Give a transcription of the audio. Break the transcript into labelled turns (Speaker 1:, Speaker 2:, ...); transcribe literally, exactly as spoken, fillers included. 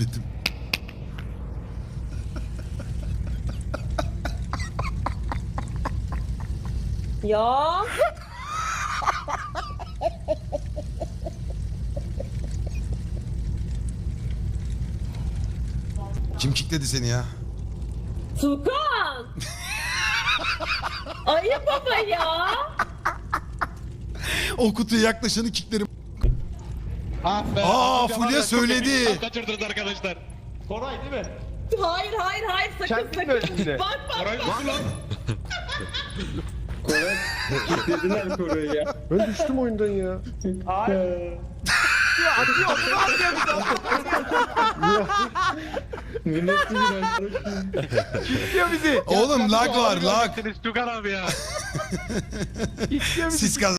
Speaker 1: kilitledim.
Speaker 2: Ya.
Speaker 1: Kim kilitledi seni ya?
Speaker 2: Tukan. Ayıp baba ya.
Speaker 1: O kutuya yaklaşanı kilitlerim.
Speaker 3: Ah be.
Speaker 1: Aa,
Speaker 3: Hocam
Speaker 1: Fulya
Speaker 3: var ya, çok
Speaker 1: söyledi.
Speaker 3: emin kaçırdınız arkadaşlar.
Speaker 4: Koray değil mi?
Speaker 2: Hayır hayır hayır sakın
Speaker 4: Kendin
Speaker 2: sakın.
Speaker 4: böyleydi.
Speaker 2: Bak bak
Speaker 3: Koray
Speaker 2: bak.
Speaker 3: nasıl lan?
Speaker 5: Koray. Dediler Koray'ı ya.
Speaker 6: Ben düştüm oyundan ya.
Speaker 4: Hayır. Atıyor atıyor atıyor atıyor.
Speaker 5: Milletçi bir arkadaşım.
Speaker 4: İstiyor bizi.
Speaker 1: Oğlum lag var lag.
Speaker 3: Tukan abi ya.
Speaker 4: İstiyor bizi.
Speaker 1: Siz kaz